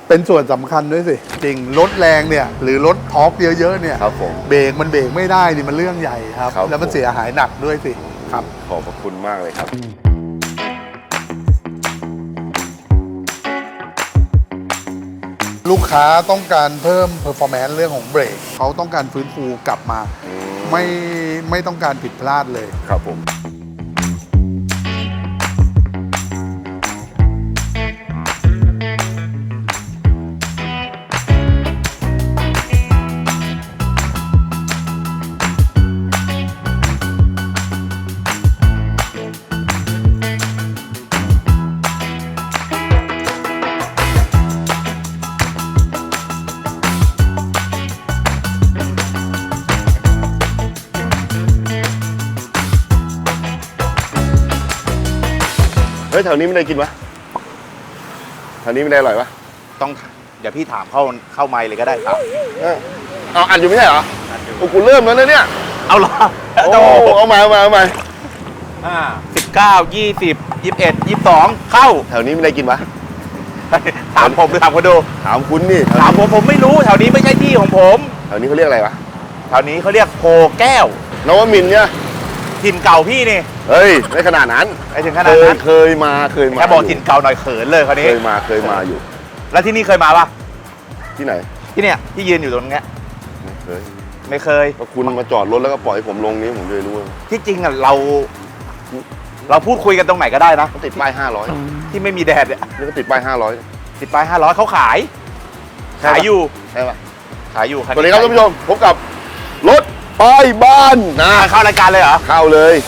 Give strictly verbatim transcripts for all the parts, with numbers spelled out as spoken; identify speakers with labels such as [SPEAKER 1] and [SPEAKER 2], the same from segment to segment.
[SPEAKER 1] เป็นส่วนสำคัญด้วยสิจริงรถแรงเนี่ยหรือรถท็อปเยอะๆเนี่ย
[SPEAKER 2] ครับผม
[SPEAKER 1] เบรกมันเบรกไม่ได้นี่มันเรื่องใหญ่ครับ
[SPEAKER 2] ครับ
[SPEAKER 1] แล้วมันเสียหายหนักด้วยสิครับ
[SPEAKER 2] ขอบพระคุณมากเลยครับ
[SPEAKER 1] ลูกค้าต้องการเพิ่ม performance เรื่องของเบรกเขาต้องการฟื้นฟูกลับมาไม่ไม่ต้องการผิดพลาดเลย
[SPEAKER 2] ครับผมเฮ้ยแถวนี้ไม่ได้กินวะแถวนี้ไม่ได้อร่อยวะ
[SPEAKER 3] ต้องเดี๋ยวพี่ถามเข้าเข้าไมค์เลยก็ได้ครับ
[SPEAKER 2] เออเอาอัดอยู่ไม่ใช่เหรอโอ้กูเริ่มแล้วนะเนี่ย
[SPEAKER 3] เอาเหรอ
[SPEAKER 2] โอ้เอามาเอามาเอามา
[SPEAKER 3] อ่าสิบเก้ายี่สิบยี่สิบเอ็ดยี่สิบสองเข้า
[SPEAKER 2] แถวนี้ไม่ได้กินวะ
[SPEAKER 3] ถามผมหรือถามคนดู
[SPEAKER 2] ถามคุณนี่
[SPEAKER 3] ถามผมผมไม่รู้แถวนี้ไม่ใช่ที่ของผม
[SPEAKER 2] แถวนี้เขาเรียกอะไรวะ
[SPEAKER 3] แถวนี้เขาเรียกโพแก้วน
[SPEAKER 2] วมินทร์เนี่ย
[SPEAKER 3] ถิ่นเก่าพี่นี่
[SPEAKER 2] เฮ้ยไม่ขนาดนั้น
[SPEAKER 3] ไอ้ถึงข
[SPEAKER 2] เค
[SPEAKER 3] นาด
[SPEAKER 2] ย
[SPEAKER 3] นั้น
[SPEAKER 2] เคยมาเคยมา
[SPEAKER 3] แค่บอกถิ่นเก่าหน่อยเขินเลยคราวนี้
[SPEAKER 2] เคยมาเคยมาอยู่
[SPEAKER 3] แล้วที่นี่เคยมาปะ
[SPEAKER 2] ที่ไหน
[SPEAKER 3] ที่เนี่ยที่ยืนอยู่ตรงเนี้ย
[SPEAKER 2] ไม่เคย
[SPEAKER 3] ไม่เคย
[SPEAKER 2] ก็คุณมาจอดรถแล้วก็ปล่อยให้ผมลงนี้ผมเลยรู้ว่า
[SPEAKER 3] ที่จริงอ่ะเรา เราพูดคุยกันตรงไหนก็ได้นะ
[SPEAKER 2] เขาติดป้ายห้าร้อย
[SPEAKER 3] ที่ไม่มีแดดเนี่ย
[SPEAKER 2] นี่ก็ติดป้ายห้าร้อย
[SPEAKER 3] ติดป้ายห้าร้อยเขาขาย
[SPEAKER 2] ใช่ปะ
[SPEAKER 3] ขายอยู่
[SPEAKER 2] ใช่ปะ
[SPEAKER 3] ขายอยู่
[SPEAKER 2] สวัสดีครับท่านผู้ชมพบกับรถป้ายบ้านนะ
[SPEAKER 3] อ่ะเข้ารายการเลยเหรอ
[SPEAKER 2] เข้าเลย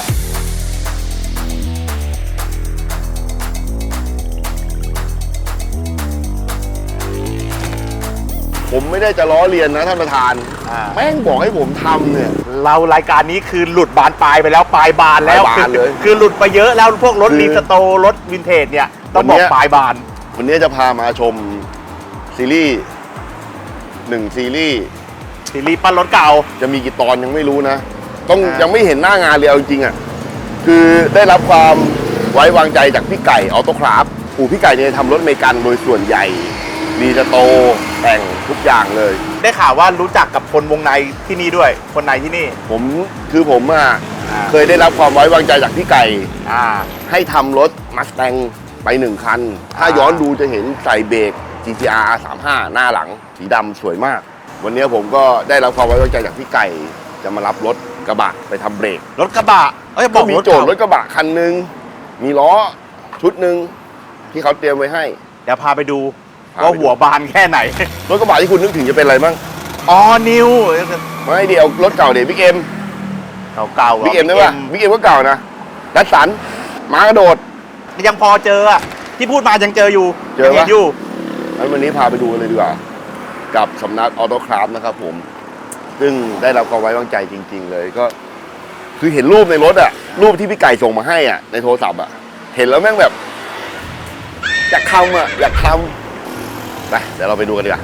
[SPEAKER 2] ผมไม่ได้จะล้อเลียนนะท่านประธาน
[SPEAKER 3] อ่า
[SPEAKER 2] แม่งบอกให้ผมทำเนี่ย
[SPEAKER 3] เรารายการนี้คือหลุดบานปลายไปแล้วปลายบานแล้ว
[SPEAKER 2] ปลายบานเลย
[SPEAKER 3] คือหลุดไปเยอะแล้วพวกรถ
[SPEAKER 2] คือ
[SPEAKER 3] รีสโตร์รถวินเทจเนี่ยต้อง
[SPEAKER 2] วัน
[SPEAKER 3] บ
[SPEAKER 2] เนี้
[SPEAKER 3] อก
[SPEAKER 2] ย
[SPEAKER 3] ปลายบาน
[SPEAKER 2] วันนี้จะพามาชมซีรีส์หนึ่งซีรีส์
[SPEAKER 3] ซีรีส์ปั้นรถเก่า
[SPEAKER 2] จะมีกี่ตอนยังไม่รู้นะ ต้อง
[SPEAKER 3] อ่ายั
[SPEAKER 2] ยังไม่เห็นหน้างานเลยเอาจริงๆอ่ะคือได้รับความไว้วางใจจากพี่ไก่ออโต้คราฟอู่พี่ไก่เนี่ยทำรถอเมริกันโดยส่วนใหญ่ดีจะโตแต่งทุกอย่างเลย
[SPEAKER 3] ได้ข่าวว่ารู้จักกับคนวงในที่นี่ด้วย คนในที่นี่
[SPEAKER 2] ผมคือผมอ่ะ
[SPEAKER 3] อ่า
[SPEAKER 2] เคยได้รับความไว้วางใจจากพี่ไก่
[SPEAKER 3] อ่า
[SPEAKER 2] ให้ทำรถมาสแตงไปหนึ่งคัน ถ้า
[SPEAKER 3] อ่า
[SPEAKER 2] ย้อนดูจะเห็นใส่เบรก จี ที อาร์ สามสิบห้า หน้าหลังสีดำสวยมาก วันนี้ผมก็ได้รับความไว้วางใจจากพี่ไก่จะมารับรถกระบะไปทำเบรก
[SPEAKER 3] รถกระบะเอ้ยบ
[SPEAKER 2] ก็
[SPEAKER 3] อก
[SPEAKER 2] มี
[SPEAKER 3] รถ
[SPEAKER 2] โจทย์ร
[SPEAKER 3] เก่า
[SPEAKER 2] ถกระบะคันหนึ่งมีล้อชุดหนึ่งที่เขาเตรียมไว้ให้
[SPEAKER 3] เดี๋ยวพาไปดู
[SPEAKER 2] พาไปดู
[SPEAKER 3] ว่าหัวบานแค่ไหน
[SPEAKER 2] รถกระบะที่คุณนึกถึงจะเป็นอะไรบ้าง
[SPEAKER 3] อ๋อนิว
[SPEAKER 2] ไม่เดียวรถเก่าเดี๋ยวบิ๊กเอ็ม
[SPEAKER 3] เก่าๆ
[SPEAKER 2] บิ๊กเอ็มได้ป่ะบิ๊กเอ็มก็เก่านะดัสสันม้ากระโดด
[SPEAKER 3] ยังพอเจออะที่พูดมายังเจออยู่
[SPEAKER 2] เจอปะ
[SPEAKER 3] ยังห็นอยู่
[SPEAKER 2] งั้นวันนี้พาไปดูกันเลยดีกว่า กับสำนักออโต้คราฟนะครับผม ซึ่งได้รับความไว้วางใจจริง ๆ เลยก็ คือเห็นรูปในรถอะรูปที่พี่ไก่ส่งมาให้อะในโทรศัพท์อะเห็นแล้วแม่งแบบ อยากทำอะอยากทำไปเดี๋ยวเราไปดูกันดีกว่า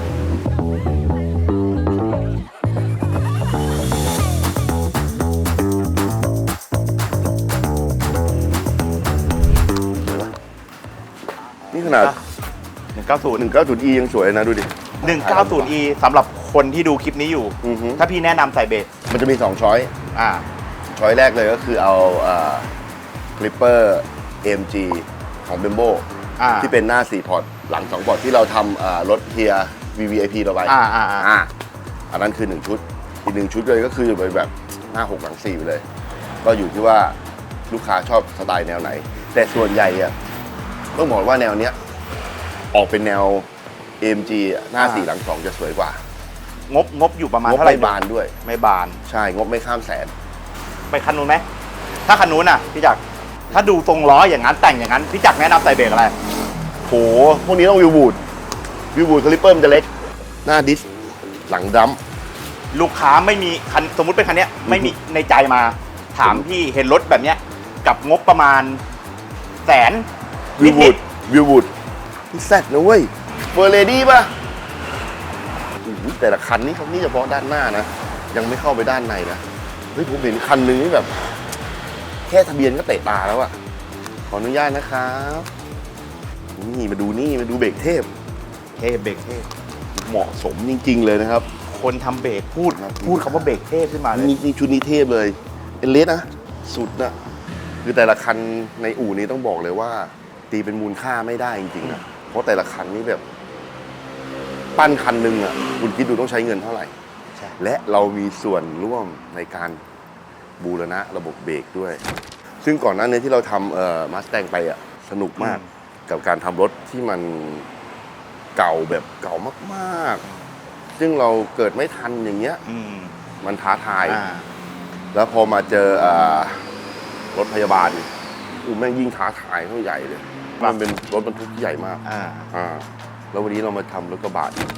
[SPEAKER 2] นี่ขนาด
[SPEAKER 3] หนึ่งเก้าศูนย์
[SPEAKER 2] หนึ่งเก้าศูนย์ อี ยังสวยนะดูดิ
[SPEAKER 3] หนึ่งเก้าศูนย์ อี สำหรับคนที่ดูคลิปนี้อยู่
[SPEAKER 2] อือฮึ
[SPEAKER 3] ถ้าพี่แนะนำใส่เบรก
[SPEAKER 2] มันจะมีสองช้อย
[SPEAKER 3] อ่า
[SPEAKER 2] ช้อยแรกเลยก็คือเอาคลิปเปอร์ เอ็ม จี ของ b บมโบ
[SPEAKER 3] อ่า
[SPEAKER 2] ที่เป็นหน้าสี่พอร์ตหลังสองพอร์ตที่เราทำรถเทีย วี วี ไอ พี เราไป
[SPEAKER 3] อ่าอ่าอ่า
[SPEAKER 2] อ่าอันนั้นคือหนึ่งชุด อีกหนึ่งชุดเลยก็คือเป็นแบบหน้าหกหลังสี่ไปเลย ก็อยู่ที่ว่าลูกค้าชอบสไตล์แนวไหน แต่ส่วนใหญ่อะต้องบอกว่าแนวเนี้ยออกเป็นแนว เอ็ม จี อะหน้าสี่หลังสองจะสวยกว่าง
[SPEAKER 3] บงบอยู่ประมาณ
[SPEAKER 2] งบ
[SPEAKER 3] เท่าไหร่
[SPEAKER 2] ไม่บานด้วย
[SPEAKER 3] ไม่บาน
[SPEAKER 2] ใช่งบไม่ข้ามแสน
[SPEAKER 3] ไปคันนู้นไหม ถ้าคันนู้นน่ะพี่จักรถ้าดูทรงล้ออย่างนั้นแต่งอย่างนั้นพี่จักรแนะนำใส่เบรกอะไร
[SPEAKER 2] โหพวกนี้ต้องวิวบูดวิวบูดคลิปเปอร์มันจะเล็ก หน้าดิสหลังดัม
[SPEAKER 3] ลูกค้าไม่มีคันสมมุติเป็นคันเนี้ยไม่มีในใจมา ถามพี่เห็นรถแบบเนี้ยกับงบประมาณแสน
[SPEAKER 2] วิวบู
[SPEAKER 3] นิ
[SPEAKER 2] ด
[SPEAKER 3] ด
[SPEAKER 2] วิวบูดนี่แซดนะเว้ยเฟอร์เรดี้ป่ะอื้อหือแต่ละคันนี่เขานี่เฉพาะด้านหน้านะ ยังไม่เข้าไปด้านในนะเฮ้ยผมเห็นคันหนึงนี่แบบ แค่ทะเบียนก็เตะตาแล้วอะขออนุญาตนะครับนี่มาดูนี่มาดูเบรกเทพ
[SPEAKER 3] เท่เบรกเท่
[SPEAKER 2] เหมาะสมจริง ๆ เลยนะครับ
[SPEAKER 3] คนทำเบรกพูดพูดคำว่าเบรกเท่ขึ้นมาเลย
[SPEAKER 2] นี่นี่ชุดนี้เทพเลยเอเลสนะสุดนะคือแต่ละคันในอู่นี้ต้องบอกเลยว่า ตีเป็นมูลค่าไม่ได้จริงๆนะเพราะแต่ละคันนี้แบบ ปั้นคันหนึ่งอ่ะคุณคิดดูต้องใช้เงินเท่าไหร่
[SPEAKER 3] ใช่
[SPEAKER 2] และเรามีส่วนร่วมในการบูรณะระบบเบรกด้วย ซึ่งก่อนหน้านี้ที่เราทำเอ่อมาสแตงไปอ่ะสนุกมากกับการทำรถที่มันเก่าแบบเก่ามากๆ ซึ่งเราเกิดไม่ทันอย่างเงี้ย
[SPEAKER 3] อืม
[SPEAKER 2] มันท้าทาย
[SPEAKER 3] อ่า
[SPEAKER 2] แล้วพอมาเจอเอ่อรถพยาบาลอู้แม่งยิ่งท้าทายเท่าใหญ่เลย มันเป็นรถบรรทุกที่ใหญ่มาก
[SPEAKER 3] อ่า
[SPEAKER 2] อ่าแล้ววันนี้เรามาทำรถกระบะอีก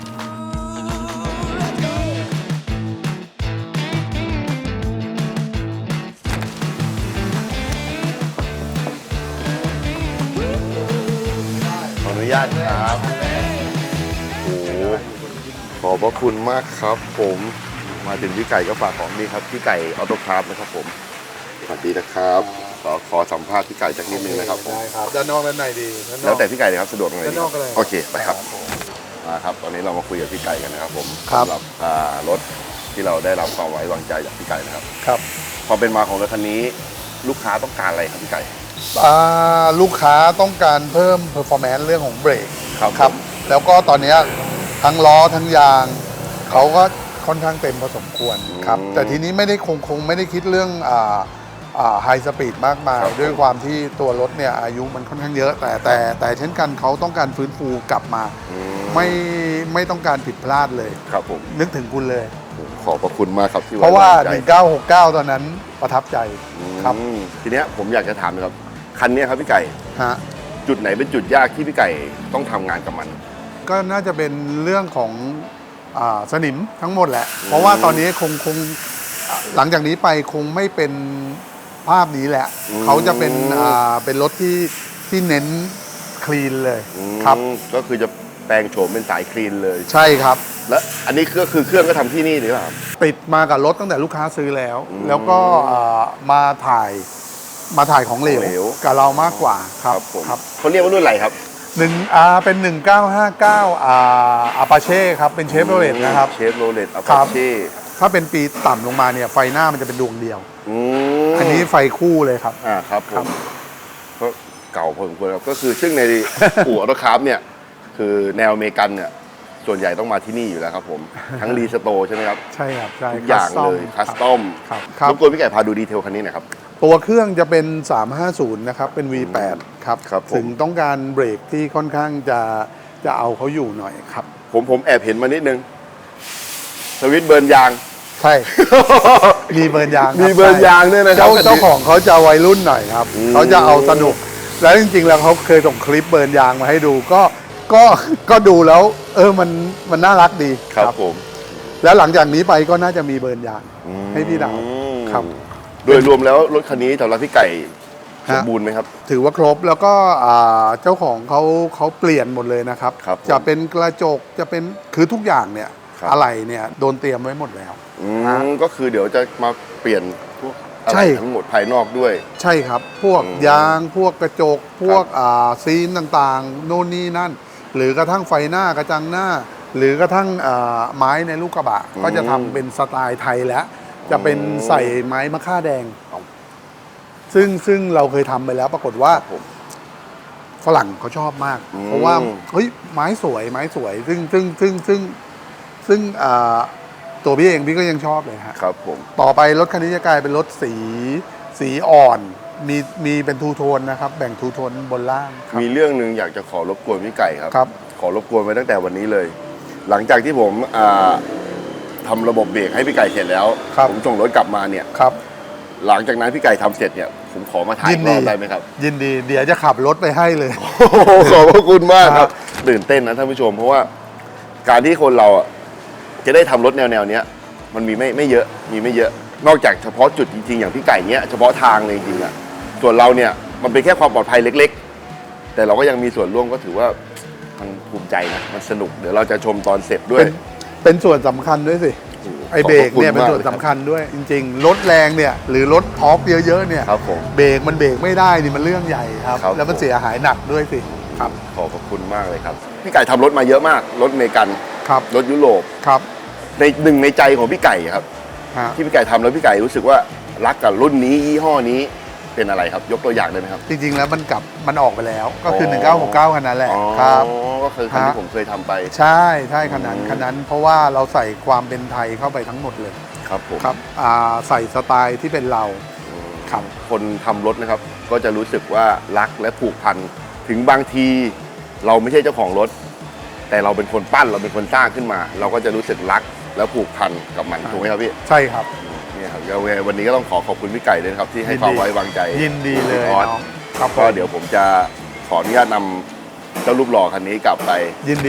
[SPEAKER 2] ขออนุญาตครับโอ้โหขอบพระคุณมากครับผมมาถึงพี่ไก่ก็ฝากของนี่ครับพี่ไก่ออโต้คราฟนะครับผมสวัสดีนะครับขอขอสัมภาษณ์พี่ไก่จากนิดนึงนะครับผม
[SPEAKER 1] ได้ครับด้านนอกด้านในดีด้านนอก
[SPEAKER 2] แล้วแต่พี่ไก่เลยครับสะดวกตรงไหน
[SPEAKER 1] ด้านนอกก็ได้
[SPEAKER 2] โอเคไปครับมาครับตอนนี้เรามาคุยกับพี่ไก่กันนะครับผม
[SPEAKER 1] ครับ
[SPEAKER 2] สำหรับอ่ารถที่เราได้รับความไว้วางใจจากพี่ไก่นะครับ
[SPEAKER 1] ครับ
[SPEAKER 2] พอเป็นมาของรถคันนี้ลูกค้าต้องการอะไรครับพี่ไก่
[SPEAKER 1] อ่าลูกค้าต้องการเพิ่ม performance เรื่องของเบรก
[SPEAKER 2] ครับ
[SPEAKER 1] ครับ แล้วก็ตอนเนี้ยทั้งล้อทั้งยางเขาก็ค่อนข้างเต็มพอสมควรครับแต่ทีนี้ไม่ได้คงคงไม่ได้คิดเรื่องอ่าอ่าไฮสปีดมากมายด้วยความที่ตัวรถเนี่ยอายุมันค่อนข้างเยอะ แต่แต่แต่เช่นกันเขาต้องการฟื้นฟูกลับมา
[SPEAKER 2] อืม
[SPEAKER 1] ไม่ไม่ต้องการผิดพลาดเลย
[SPEAKER 2] ครับผม
[SPEAKER 1] นึกถึงคุณเลย
[SPEAKER 2] ขอบพระคุณมากครับที่
[SPEAKER 1] เพราะว่า
[SPEAKER 2] ไใจ
[SPEAKER 1] หนึ่งเก้าหกเก้าตอนนั้นประทับใจครับ
[SPEAKER 2] อืมทีเนี้ยผมอยากจะถามนะครับคันเนี้ยครับพี่ไก่
[SPEAKER 1] ฮะ
[SPEAKER 2] จุดไหนเป็นจุดยากที่พี่ไก่ต้องทำงานกับมัน
[SPEAKER 1] ก็น่าจะเป็นเรื่องของอาสนิมทั้งหมดแหละ เพราะว่าตอนนี้คงคงหลังจากนี้ไปคงไม่เป็นภาพนี้แหละ
[SPEAKER 2] อืม
[SPEAKER 1] เขาจะเป็นอ่าเป็นรถที่ที่เน้นคลีนเลย
[SPEAKER 2] อืม
[SPEAKER 1] ครับ
[SPEAKER 2] ก็คือจะแปลงโฉมเป็นสายคลีนเลย
[SPEAKER 1] ใช่ครับ
[SPEAKER 2] แล้วอันนี้ก็คือเครื่องก็ทำที่นี่หรือเปล่าครับ
[SPEAKER 1] ติดมากับรถตั้งแต่ลูกค้าซื้อแล้ว
[SPEAKER 2] อืม
[SPEAKER 1] แล้วก็อ่ามาถ่ายมาถ่ายของเหลว
[SPEAKER 2] ของเหลว
[SPEAKER 1] กับเรามากกว่าครับ
[SPEAKER 2] ผม
[SPEAKER 1] ครับ
[SPEAKER 2] เขาเรียกว่ารุ่นอะไรครับ
[SPEAKER 1] หนึ่งอ่าเป็นหนึ่งเก้าห้าเก้าอ่าอาปาเช่ครับเป็นเชฟโรเลตนะครับ
[SPEAKER 2] เชฟโรเลตอั
[SPEAKER 1] ครั
[SPEAKER 2] ปา
[SPEAKER 1] บ
[SPEAKER 2] เช่
[SPEAKER 1] ถ้าเป็นปีต่ำลงมาเนี่ยไฟหน้ามันจะเป็นดวงเดียว
[SPEAKER 2] อืม
[SPEAKER 1] อันนี้ไฟคู่เลยครับ
[SPEAKER 2] อ่าครับผ
[SPEAKER 1] ครั
[SPEAKER 2] ม
[SPEAKER 1] บ
[SPEAKER 2] ก็เก่าพอสมควรครับก็คือซึ่งใน อู่ออโตคราฟเนี่ยคือแนวอเมริกันเนี่ยส่วนใหญ่ต้องมาที่นี่อยู่แล้วครับผม ทั้งรีสโตร์ใช่ไหมครับ
[SPEAKER 1] ใช่ครับใช่
[SPEAKER 2] ทุกอย่างเลยคัสตอม
[SPEAKER 1] ครับครับ
[SPEAKER 2] รบกวนพี่ไก่พาดูดีเทลคันนี้หน่อยครับ
[SPEAKER 1] ตัวเครื่องจะเป็น สามห้าศูนย์ นะครับ เป็น วี แปด ครับ
[SPEAKER 2] ครับผม
[SPEAKER 1] ถึงต้องการเบรกที่ค่อนข้างจะจะเอาเขาอยู่หน่อยครับ
[SPEAKER 2] ผมผมแอบเห็นมานิดนึงสวิตช์เบิร์นยาง
[SPEAKER 1] ใช่ มีเบิร์นยางค
[SPEAKER 2] มีเบิร์นยางด้วยนะครับ
[SPEAKER 1] เจ้า
[SPEAKER 2] คันนี้
[SPEAKER 1] เจ้าของเขาจะวัยรุ่นหน่อยครับ
[SPEAKER 2] อืม
[SPEAKER 1] เขาจะเอาสนุก แล้วจริงๆ แล้วเขาเคยส่งคลิปเบิร์นยางมาให้ดู ก็ก็ก็ดูแล้ว เออมันมันน่ารักดี
[SPEAKER 2] ครับผม
[SPEAKER 1] แล้วหลังจากนี้ไปก็น่าจะมีเบิร์นยาง ให้พี่ดาว
[SPEAKER 2] อืม
[SPEAKER 1] ครับ
[SPEAKER 2] โดยรวมแล้วรถคันนี้สำหรับพี่ไก่สมบูรณ์ไหมครับ
[SPEAKER 1] ถือว่าครบแล้วก็อ่าเจ้าของเขาเขาเปลี่ยนหมดเลยนะครับ
[SPEAKER 2] ครับผม
[SPEAKER 1] จะเป็นกระจกจะเป็นคือทุกอย่างเนี่ย
[SPEAKER 2] ครับ
[SPEAKER 1] อะไรเนี่ยโดนเตรียมไว้หมดแล้ว
[SPEAKER 2] อืมก็คือเดี๋ยวจะมาเปลี่ยนพวกอะ
[SPEAKER 1] ใช่
[SPEAKER 2] ไรทั้งหมดภายนอกด้วย
[SPEAKER 1] ใช่ครับ พวก
[SPEAKER 2] อืม
[SPEAKER 1] ยางพวกกระจก พวกอ่าซีนต่างๆ โน่นนี่นั่น หรือกระทั่งไฟหน้ากระจังหน้า หรือกระทั่งอ่าไม้ในลูกกระบะ ก็จะทำเป็นสไตล์ไทยแล้ว จะเป็นใส่ไม้มะค่าแดง ซึ่งซึ่งเราเคยทำไปแล้วปรากฏว่า
[SPEAKER 2] ครับผม
[SPEAKER 1] ฝรั่งเขาชอบมาก
[SPEAKER 2] อืม
[SPEAKER 1] เพราะว่าเฮ้ยไม้สวยไม้สวย ซึ่งซึ่งซึ่งซึ่งซึ่งอ่าตัวพี่เองพี่ก็ยังชอบเลยฮะ
[SPEAKER 2] ครับผม
[SPEAKER 1] ต่อไปรถคันนี้จะกลายเป็นรถสีสีอ่อน มีมีเป็นทูโทนนะครับ แบ่งทูโทนบนล่างครับ
[SPEAKER 2] มีเรื่องหนึ่งอยากจะขอรบกวนพี่ไก่ครับ
[SPEAKER 1] ครับ
[SPEAKER 2] ขอรบกวนไว้ตั้งแต่วันนี้เลย หลังจากที่ผมอ่าทำระบบเบรกให้พี่ไก่เสร็จแล้ว
[SPEAKER 1] ครับ
[SPEAKER 2] ผมส่งรถกลับมาเนี่ย
[SPEAKER 1] ครับ
[SPEAKER 2] หลังจากนั้นพี่ไก่ทำเสร็จเนี่ยผมขอมาถ่าย
[SPEAKER 1] ยิ
[SPEAKER 2] อี
[SPEAKER 1] น
[SPEAKER 2] ก
[SPEAKER 1] ดี
[SPEAKER 2] รอบได้ไหมครับ
[SPEAKER 1] ยินดี เดี๋ยวจะขับรถไปให้เลย
[SPEAKER 2] โอ้โหขอบพระคุณมากค
[SPEAKER 1] ครั
[SPEAKER 2] รับบ ตื่นเต้นนะท่านผู้ชม เพราะว่าการที่คนเราอ่ะจะได้ทำรถแนวแนวๆเนี้ยมันมีไม่ไม่เยอะมีไม่เยอะ นอกจากเฉพาะจุดจริงๆอย่างพี่ไก่เนี้ยเฉพาะทางเลยจริงๆอ่ะส่วนเราเนี่ยมันเป็นแค่ความปลอดภัยเล็กๆ แต่เราก็ยังมีส่วนร่วมก็ถือว่ามันภูมิใจนะมันสนุกเดี๋ยวเราจะชมตอนเสร็จด้วย
[SPEAKER 1] เป็นเป็นส่วนสำคัญด้วยสิ ไอเบรกเนี่ยเป็นส่วนสำคัญด้วย จริงๆ รถแรงเนี่ยหรือรถทอร์กเยอะๆเนี่ย
[SPEAKER 2] ครับผม
[SPEAKER 1] เบรกมันเบรกไม่ได้นี่มันเรื่องใหญ่ครับ
[SPEAKER 2] ครับ
[SPEAKER 1] แล้วมันเสียหายหนักด้วยสิ
[SPEAKER 2] อ
[SPEAKER 1] ครับ
[SPEAKER 2] ขอบพระคุณมากเลยครับพี่ไก่ทำรถมาเยอะมากรถอเมริกัน
[SPEAKER 1] ครับ
[SPEAKER 2] รถยุโรป
[SPEAKER 1] ครับ
[SPEAKER 2] ในหนึ่งในใจของพี่ไก่ครับ
[SPEAKER 1] ฮะ
[SPEAKER 2] ที่พี่ไก่ทำแล้วพี่ไก่รู้สึกว่ารักกับรุ่นนี้ยี่ห้อนี้เป็นอะไรครับ ยกตัวอย่างได้ไหมครับ
[SPEAKER 1] จริงๆแล้วมันกลับมันออกไปแล้ว ก็คือ
[SPEAKER 2] อ๋อ
[SPEAKER 1] หนึ่งเก้าหกเก้าคันนั้นแหละ
[SPEAKER 2] อ๋อ
[SPEAKER 1] ครับ
[SPEAKER 2] ก็คือคันที่
[SPEAKER 1] ฮะ
[SPEAKER 2] ผมเคยทำไป
[SPEAKER 1] ใช่ใช่คันนั้น
[SPEAKER 2] อืม
[SPEAKER 1] คันนั้น เพราะว่าเราใส่ความเป็นไทยเข้าไปทั้งหมดเลย
[SPEAKER 2] ครับผม
[SPEAKER 1] ครับอ่าใส่สไตล์ที่เป็นเรา
[SPEAKER 2] อืม
[SPEAKER 1] ครับ
[SPEAKER 2] คนทำรถนะครับ ก็จะรู้สึกว่ารักและผูกพันถึงบางทีเราไม่ใช่เจ้าของรถ แต่เราเป็นคนปั้นเราเป็นคนสร้างขึ้นมา เราก็จะรู้สึกรักและผูกพันกับมันถูกไหมครับพี่
[SPEAKER 1] ใช่ครับ
[SPEAKER 2] เนี่ยครับยังไงวันนี้ก็ต้องขอขอบคุณพี่ไก่ด้วยนะครับที่ให้ความไว้วางใจ
[SPEAKER 1] ยินดีเลย
[SPEAKER 2] ออส
[SPEAKER 1] น้องครับ
[SPEAKER 2] ก็เดี๋ยวผมจะขออนุญาตนำเจ้ารูปหล่อคันนี้กลับไป
[SPEAKER 1] ยินดี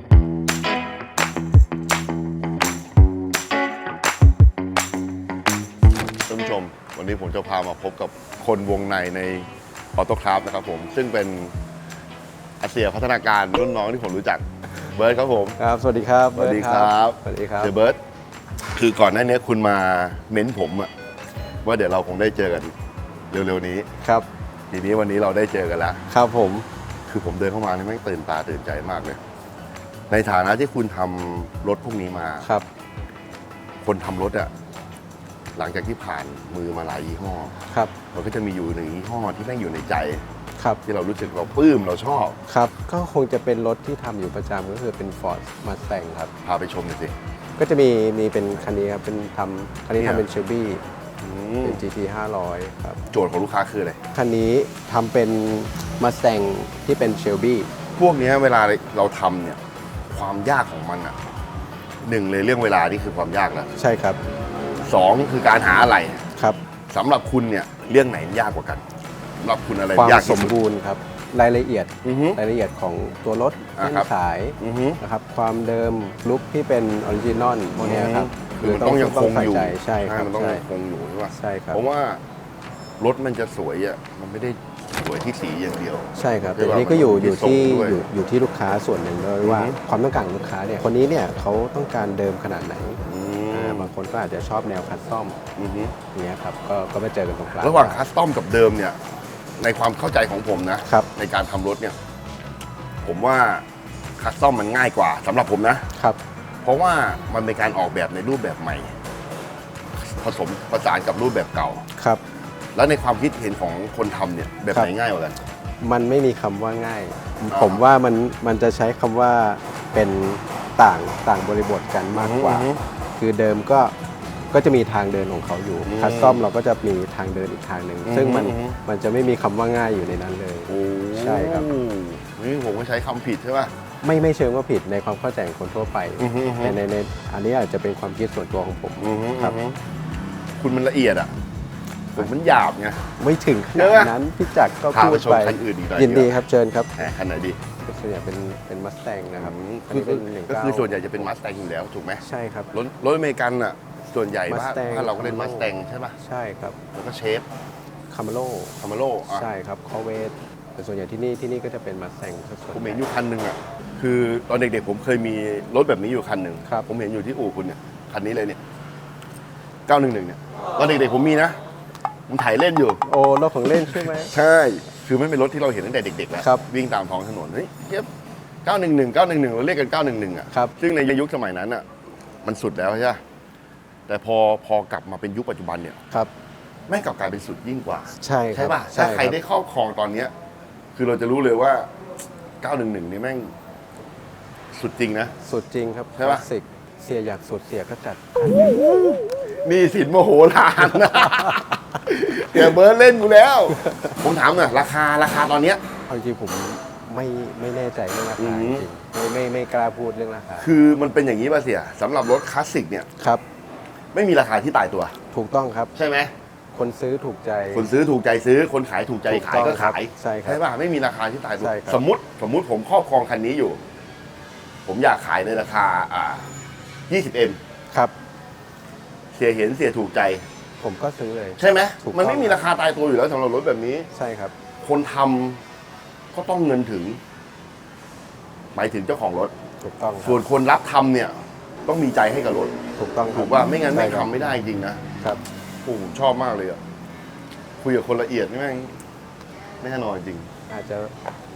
[SPEAKER 2] ท่านผู้ชม วันนี้ผมจะพามาพบกับคนวงในในออโต้คราฟนะครับผมซึ่งเป็นอาเซียพัฒนาการรุ่นน้องที่ผมรู้จักเบิร์ดครับผม
[SPEAKER 4] ครับ สวัสดีครับ
[SPEAKER 2] สวัสดีครับ
[SPEAKER 4] สวัสดีครับ
[SPEAKER 2] เดอะเบิร์ดคือก่อนหน้านี้คุณมาเม้นผมอะว่าเดี๋ยวเราคงได้เจอกันเร็วๆนี้
[SPEAKER 4] ครับ
[SPEAKER 2] ทีนี้วันนี้เราได้เจอกันแล้ว
[SPEAKER 4] ครับผม
[SPEAKER 2] คือผมเดินเข้ามานี่แม่งตื่นตาตื่นใจมากเลย ในฐานะที่คุณทำรถพวกนี้มา
[SPEAKER 4] ครับ
[SPEAKER 2] คนทำรถอะหลังจากที่ผ่านมือมาหลายยี่ห้อ
[SPEAKER 4] ครับ
[SPEAKER 2] มันก็จะมีอยู่หนึ่งยี่ห้อที่แม่งอยู่ในใจ
[SPEAKER 4] ครับ
[SPEAKER 2] ที่เรารู้สึกเราปลื้มเราชอบ
[SPEAKER 4] ครับ ก็คงจะเป็นรถที่ทำอยู่ประจำก็คือเป็น Ford Mustang ครับ
[SPEAKER 2] พาไปชมหน่อยสิ
[SPEAKER 4] ก็จะมีมีเป็นคันนี้ครับ เป็นทำคันนี้
[SPEAKER 2] เนี่ย
[SPEAKER 4] ทำเป็น Shelby
[SPEAKER 2] อืม
[SPEAKER 4] เป็น จี ที ห้าร้อยครับ
[SPEAKER 2] โจทย์ของลูกค้าคืออะไร
[SPEAKER 4] คันนี้ทำเป็น Mustang ที่เป็น Shelby
[SPEAKER 2] พวกเนี้ยเวลาเราทำเนี่ยความยากของมันอะหนึ่งเลยเรื่องเวลานี่คือความยากแล้ว
[SPEAKER 4] ใช่ครับ
[SPEAKER 2] สองคือการหาอะไร
[SPEAKER 4] ครับ
[SPEAKER 2] สำหรับคุณเนี่ยเรื่องไหนยากกว่ากันสำหรับคุณอะไร
[SPEAKER 4] ความ
[SPEAKER 2] ยาก
[SPEAKER 4] ส
[SPEAKER 2] ที่
[SPEAKER 4] ม
[SPEAKER 2] สุด
[SPEAKER 4] บูรณ์ครับ รายละเอียด
[SPEAKER 2] อือฮึ
[SPEAKER 4] รายละเอียดของตัวรถ
[SPEAKER 2] อ่า
[SPEAKER 4] เส้น
[SPEAKER 2] ครับ
[SPEAKER 4] สาย
[SPEAKER 2] อือฮึ
[SPEAKER 4] นะครับ ความเดิมลุคที่เป็นออริจินอลพวกเนี้ยครับ
[SPEAKER 2] คือมันต้องยังคง
[SPEAKER 4] ใส่
[SPEAKER 2] อยู่
[SPEAKER 4] ใจใช่ครับ
[SPEAKER 2] มันต้อง
[SPEAKER 4] ใช่
[SPEAKER 2] ยังคงอยู่ใช่ป่ะ
[SPEAKER 4] ใช่ครับ
[SPEAKER 2] เพราะว่ารถมันจะสวยอ่ะมันไม่ได้สวยที่สีอย่างเดียว
[SPEAKER 4] ใช่ครับ
[SPEAKER 2] ใช่
[SPEAKER 4] แต่
[SPEAKER 2] ป่ะ
[SPEAKER 4] ทีนี้ก็อยู่
[SPEAKER 2] มัน
[SPEAKER 4] อยู่
[SPEAKER 2] มีทรง
[SPEAKER 4] ที่
[SPEAKER 2] ด้วย
[SPEAKER 4] อยู่อยู่ที่ลูกค้าส่วนหนึ่งด้วยว่า
[SPEAKER 2] อือฮึ
[SPEAKER 4] ความต้องการของลูกค้าเนี่ยคนนี้เนี่ยเขาต้องการเดิมขนาดไหน
[SPEAKER 2] อื
[SPEAKER 4] อ่าม บางคนก็อาจจะชอบแนวคัสตอม
[SPEAKER 2] อือฮึ
[SPEAKER 4] อย่างเงี้ยครับก็ก็มาเจอกันตรงกลาง
[SPEAKER 2] ระหว่างคัสตอมกับเดิมเนี่ยในความเข้าใจของผมนะครับ ในการทำรถเนี่ย ผมว่าคัสตอมมันง่ายกว่าสำหรับผมนะ
[SPEAKER 4] ครับ
[SPEAKER 2] เพราะว่ามันเป็นการออกแบบในรูปแบบใหม่ ผสมผสานกับรูปแบบเก่า
[SPEAKER 4] ครับ
[SPEAKER 2] แล้วในความคิดเห็นของคนทำเนี่ยแบบไหน
[SPEAKER 4] ครับ
[SPEAKER 2] ง่ายกว่ากัน
[SPEAKER 4] มันไม่มีคำว่าง่าย
[SPEAKER 2] อ่า
[SPEAKER 4] ผมว่ามันมันจะใช้คำว่าเป็นต่างต่างบริบทกันมากกว่า
[SPEAKER 2] อือฮึ
[SPEAKER 4] คือเดิมก็ก็จะมีทางเดินของเขาอยู่
[SPEAKER 2] อืม
[SPEAKER 4] คัสตอมเราก็จะมีทางเดินอีกทางหนึ่ง
[SPEAKER 2] อือฮึ
[SPEAKER 4] ซึ่งมัน
[SPEAKER 2] อือฮึ
[SPEAKER 4] มันจะไม่มีคำว่าง่ายอยู่ในนั้นเลย
[SPEAKER 2] โอ้
[SPEAKER 4] ใช่ครับ
[SPEAKER 2] นี่ผมก็ใช้คำผิดใช่ป่ะ
[SPEAKER 4] ไม่ไม่เชิงว่าผิดในความเข้าใจของคนทั่วไป
[SPEAKER 2] อือฮึอือฮึ
[SPEAKER 4] แต่ในในอันนี้อาจจะเป็นความคิดส่วนตัวของผม
[SPEAKER 2] อือฮึ
[SPEAKER 4] ครับ
[SPEAKER 2] อือฮึคุณมันละเอียดอ่ะผมมันหยาบไง
[SPEAKER 4] ไม่ถึงข
[SPEAKER 2] เย
[SPEAKER 4] นา
[SPEAKER 2] อะ
[SPEAKER 4] ดนั้นพี่จักรก็
[SPEAKER 2] พา
[SPEAKER 4] พู
[SPEAKER 2] ไป
[SPEAKER 4] ด
[SPEAKER 2] ชม
[SPEAKER 4] ไป
[SPEAKER 2] คันอื่นอีกหน่อย
[SPEAKER 4] ยินดี
[SPEAKER 2] ดีกว่า
[SPEAKER 4] ครับเชิญครับ
[SPEAKER 2] แหมขนาดดี
[SPEAKER 4] ส่วนใหญ่เป็นเป็นมัสแตงนะครับ
[SPEAKER 2] อืม
[SPEAKER 4] อัน
[SPEAKER 2] คือ
[SPEAKER 4] นี้เป็นหนึ่ง
[SPEAKER 2] ก็
[SPEAKER 4] เก้า
[SPEAKER 2] คือส่วนใหญ่จะเป็นมาส t ต n อยู่แล้วถูกไหม
[SPEAKER 4] ใช่ครับ
[SPEAKER 2] รถรถอเมริกันอ่ะส่วนใหญ่บ้าน
[SPEAKER 4] Mustang
[SPEAKER 2] บ้านเราก็เล่น
[SPEAKER 4] Camaro
[SPEAKER 2] มาส t ต n ใช่ป่ะ
[SPEAKER 4] ใช่ครับ
[SPEAKER 2] แล้วก็เชฟ
[SPEAKER 4] คาร์มาโล
[SPEAKER 2] คามาโร่อ่ะ
[SPEAKER 4] ใช่ครับคอเวสแต่ส่วนใหญ่ที่นี่ที่นี่ก็จะเป็นมัสแตงส่วน
[SPEAKER 2] ผม
[SPEAKER 4] ให
[SPEAKER 2] เห็
[SPEAKER 4] ญ่
[SPEAKER 2] นอยู่คันหนึ่งอ่ะคือตอนเด็กๆผมเคยมีรถแบบนี้อยู่คันหนึ่ง
[SPEAKER 4] ครับ
[SPEAKER 2] ผมเห็นอยู่ที่อู่คุณเนี่ยคันนี้เลยเนี่ยเก้าหนึ่งหนึ่งเนี่ยตอนเด็กๆผมมีนะผมถ่ายเล่นอยู่
[SPEAKER 4] โอ้รถของเล่นใช่ไหม
[SPEAKER 2] ใช่ คือไม่เป็นรถที่เราเห็นตั้งแต่เด็กๆแล้ว
[SPEAKER 4] ครับ
[SPEAKER 2] วิ่งตามท้องถนน เฮ้ยเทียบเก้าหนึ่งหนึ่ง เก้าหนึ่งหนึ่งเราเรียกกันเก้าหนึ่งหนึ่งอ่ะ
[SPEAKER 4] ครับ
[SPEAKER 2] ซึ่งในยุคสมัยนั้นอ่ะ มันสุดแล้วใช่ไหมแต่พอพอกลับมาเป็นยุคปัจจุบันเนี่ย
[SPEAKER 4] ครับ
[SPEAKER 2] แม่งกลับกลายเป็นสุดยิ่งกว่า
[SPEAKER 4] ใช่ครั
[SPEAKER 2] ใช่
[SPEAKER 4] บ
[SPEAKER 2] ป่ะ ถ้าใครได้ครอบครองตอนเนี้ยคือเราจะรู้เลยว่า เก้าหนึ่งหนึ่ง นี่แม่งสุดจริงนะ
[SPEAKER 4] สุดจริงครับ
[SPEAKER 2] ใช่ปะ
[SPEAKER 4] คลาสสิกเสียอยากสุดเสียก็จัด
[SPEAKER 2] นี่สินโมโหลานนะ เดี๋ยวเบิร์ดเล่นกูแล้ว ผมถามหน่อยราคาราคาตอนเนี้ย
[SPEAKER 4] เอาจริงๆผมไม่ไม่แน่ใจเรื่องรา
[SPEAKER 2] อื
[SPEAKER 4] คาม จริงไม่ไม่ไม่กล้าพูดเรื่องราคา
[SPEAKER 2] คือมันเป็นอย่างนี้ป่ะเสียสำหรับรถคลาสสิกเนี่ย
[SPEAKER 4] ครับ
[SPEAKER 2] ไม่มีราคาที่ตายตัว
[SPEAKER 4] ถูกต้องครับ
[SPEAKER 2] ใช่ไหม
[SPEAKER 4] คนซื้อถูกใจ
[SPEAKER 2] คนซื้อถูกใจซื้อ คนขายถูกใจ
[SPEAKER 4] ถูก
[SPEAKER 2] ขาย
[SPEAKER 4] ต้อง
[SPEAKER 2] ก็
[SPEAKER 4] ครับ
[SPEAKER 2] ขาย
[SPEAKER 4] ใช่ครับ
[SPEAKER 2] ใช่ป่ะไม่มีราคาที่ตายตัว
[SPEAKER 4] ใช่ครับ
[SPEAKER 2] สมมติสมมุติผมครอบครองคันนี้อยู่ ผมอยากขายในราคาอ่า ยี่สิบเอ็ม
[SPEAKER 4] ครับ
[SPEAKER 2] เสียเห็นเสียถูกใจ
[SPEAKER 4] ผมก็ซื้อเลย
[SPEAKER 2] ใช่ไหม
[SPEAKER 4] ถูกต้อง
[SPEAKER 2] มันไม่มีราคาตายตัวอยู่แล้วสำหรับรถแบบนี้
[SPEAKER 4] ใช่ครับ
[SPEAKER 2] คนทำก็ต้องเงินถึง หมายถึงเจ้าของรถ
[SPEAKER 4] ถูกต้องครั
[SPEAKER 2] ส่วนคนรับทำเนี่ย ต้องมีใจให้กับรถ
[SPEAKER 4] ถูกต้องครับ
[SPEAKER 2] ถูกว่าไม่งั้นไม่
[SPEAKER 4] ใช่ครับ
[SPEAKER 2] ทำไม่ได้จริงนะครับ โอ้ผมชอบมากเลยอ่ะคุยกับคนละเอียดนี่แม่งแน่นอนจริง
[SPEAKER 4] อาจจะ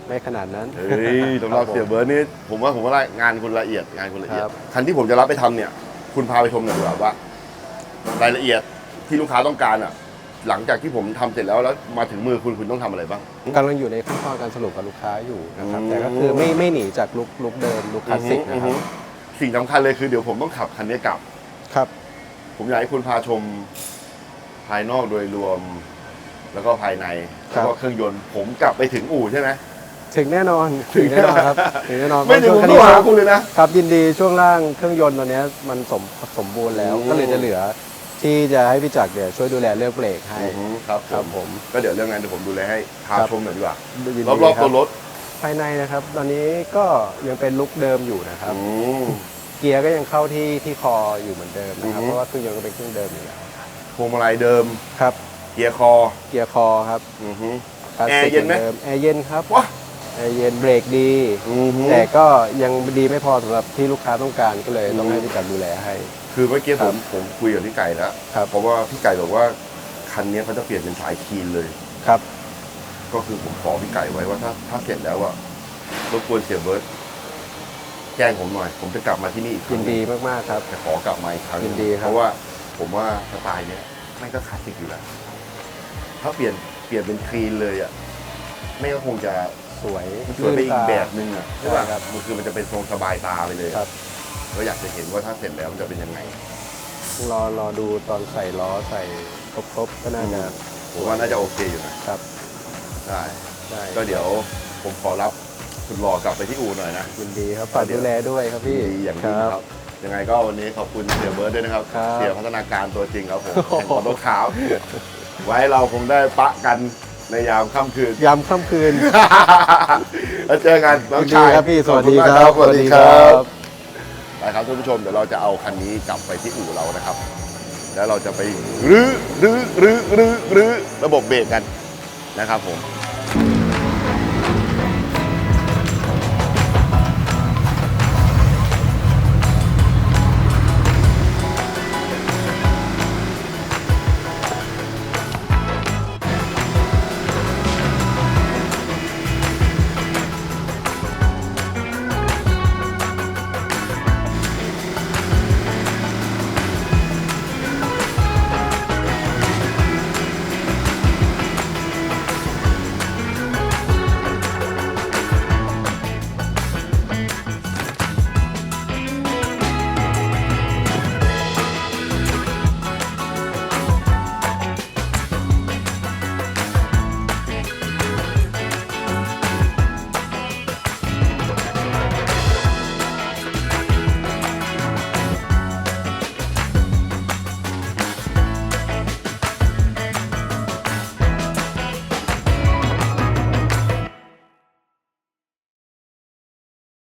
[SPEAKER 4] ไม่ขนาดนั้น
[SPEAKER 2] เฮ้ยสำหรับเสียเบิร์ดนี่ผมว่าผมว่างานคุณละเอียดงานคุณละเอียด
[SPEAKER 4] ครับ
[SPEAKER 2] คันที่ผมจะรับไปทำเนี่ย คุณพาไปชมหน่อยดีกว่าว่ารายละเอียดที่ลูกค้าต้องการอ่ะ หลังจากที่ผมทำเสร็จแล้วแล้วมาถึงมือคุณคุณต้องทำอะไรบ้าง
[SPEAKER 4] กำลังอยู่ในขั้นตอนการสรุปกับลูกค้าอยู่นะครับ
[SPEAKER 2] อืม
[SPEAKER 4] แต่ก็คือไม่ไม่หนีจากลุกลุกเดิมลุกคลาสสิกนะครับ
[SPEAKER 2] อือฮึสิ่งสำคัญเลยคือเดี๋ยวผมต้องขับคันนี้กลับ
[SPEAKER 4] ครับ
[SPEAKER 2] ผมอยากให้คุณพาชมภายนอกโดยรวม แล้วก็ภายใน
[SPEAKER 4] ครั
[SPEAKER 2] แล้ว
[SPEAKER 4] บ
[SPEAKER 2] ก็เครื่องยนต์ผมกลับไปถึงอู่ใช่ไหม
[SPEAKER 4] ถึงแน่นอนถึงแน่นอนครับถึงแน่นอน
[SPEAKER 2] ไม่ถึง
[SPEAKER 4] เพ
[SPEAKER 2] ผม
[SPEAKER 4] ราะ
[SPEAKER 2] โทร
[SPEAKER 4] ช่วง
[SPEAKER 2] หา
[SPEAKER 4] คัน
[SPEAKER 2] คุณ
[SPEAKER 4] นี้
[SPEAKER 2] เลยนะ
[SPEAKER 4] ครับยินดีช่วงล่างเครื่องยนต์ตัวเนี้ยมันสมสมบูรณ์แล้ว
[SPEAKER 2] อืม
[SPEAKER 4] ก็เลยจะเหลือที่จะให้พี่จักรเนี่ยช่วยดูแลเรื่องเบรกให้
[SPEAKER 2] อือฮึครับ
[SPEAKER 4] ครับ
[SPEAKER 2] ผ
[SPEAKER 4] ผม ม
[SPEAKER 2] ก็เดี๋ยวเรื่องนั้นเดี๋ยวผมดูแลให้พา
[SPEAKER 4] ครับ
[SPEAKER 2] ชมหน่อยดีกว่า
[SPEAKER 4] ยินดี
[SPEAKER 2] รอบๆ
[SPEAKER 4] ค
[SPEAKER 2] ตัวรถ
[SPEAKER 4] ภายในนะครับ ตอนนี้ก็ยังเป็นลุกเดิมอยู่นะครับ
[SPEAKER 2] อืม
[SPEAKER 4] เกียร์ก็ยังเข้าที่ที่คออยู่เหมือนเดิมนะครับ
[SPEAKER 2] อือฮึ
[SPEAKER 4] เพราะว่าเครื่องยนต์ก็เป็นเครื่องเดิมอยู่แล้ว
[SPEAKER 2] พวงมาลัยเดิม
[SPEAKER 4] ครับ
[SPEAKER 2] เกียร์คอ
[SPEAKER 4] เกียร์คอครับ
[SPEAKER 2] อือฮึ
[SPEAKER 4] คลาส
[SPEAKER 2] แอร์
[SPEAKER 4] สิก
[SPEAKER 2] เย็นไหม
[SPEAKER 4] มือดิแอร์เย็นครับ
[SPEAKER 2] ว้า
[SPEAKER 4] แอร์เย็นเบรกดี
[SPEAKER 2] อือฮึ
[SPEAKER 4] แต่ก็ยังดีไม่พอสำหรับที่ลูกค้าต้องการก็เลยต้อง
[SPEAKER 2] อืม
[SPEAKER 4] ให้พี่จักรดูแลให้
[SPEAKER 2] คือเมื่อกี้
[SPEAKER 4] ค
[SPEAKER 2] ผ
[SPEAKER 4] รับ
[SPEAKER 2] มผมคุยกับพี่ไก่แล้ว
[SPEAKER 4] ครับ
[SPEAKER 2] เพราะว่าพี่ไก่บอกว่าคันนี้เขาจะเปลี่ยนเป็นสายคีนเลย
[SPEAKER 4] ครับ
[SPEAKER 2] ก็คือผมขอพี่ไก่ไว้ว่าถ้าถ้าเสร็จแล้วอะรบกวนเสียเบิร์ตแจ้งผมหน่อย ผมจะกลับมาที่นี่อีกค
[SPEAKER 4] ยิ
[SPEAKER 2] รั้
[SPEAKER 4] น
[SPEAKER 2] ง
[SPEAKER 4] ดีมากๆครับ
[SPEAKER 2] จะขอกลับมาอีกครั้ง
[SPEAKER 4] ยินดีครับ
[SPEAKER 2] เพราะว่าผมว่าสไตล์เนี้ยไม่งก็คลาสสิกอยู่แล้ว ถ้าเปลี่ยนเปลี่ยนเป็นคลีนเลยอะไม่งก็คงจะ
[SPEAKER 4] สวย
[SPEAKER 2] มันสวยไปอีก
[SPEAKER 4] ตา
[SPEAKER 2] แบบนึงอะใช่ป่ะ
[SPEAKER 4] ใช่ครับ
[SPEAKER 2] มันคือมันจะเป็นทรงสบายตาไปเลย
[SPEAKER 4] ครับ
[SPEAKER 2] ก็อยากจะเห็นว่าถ้าเสร็จแล้วมันจะเป็นยังไง
[SPEAKER 4] รอรอดูตอนใส่ล้อใส่ครบๆก็น่าจะ
[SPEAKER 2] ผมว่าน่าจะโอเคอยู่นะครับ ได้
[SPEAKER 4] ได้
[SPEAKER 2] ก็เดี๋ยวผมขอรับคุณหล่อกลับไปที่อู่หน่อยนะ
[SPEAKER 4] ยินดีครับฝากดูแลด้วยครับพี่
[SPEAKER 2] ดีอย่างยิ่งครับ ยังไงก็วันนี้ขอบคุณเสียเบิร์ดด้วยนะครับ
[SPEAKER 4] ครับ
[SPEAKER 2] เสียพัฒนาการตัวจริงครับผมแห่งออโต้ขาว ไว้เราคงได้ปะกันในยามค่ำคืน
[SPEAKER 4] ยามค่ำคืน
[SPEAKER 2] แล้วเจอกันน้อง
[SPEAKER 4] ยินดี
[SPEAKER 2] ชาย
[SPEAKER 4] ครับพี่สวัสดี
[SPEAKER 2] ขอณ
[SPEAKER 4] ค
[SPEAKER 2] มาก
[SPEAKER 4] รับ
[SPEAKER 2] สวัสดีครับไปครับท่านผู้ชมเดี๋ยวเราจะเอาคันนี้กลับไปที่อู่เรานะครับ แล้วเราจะไปรื้อรื้อรื้อรื้อรื้อระบบเบรกกันนะครับผม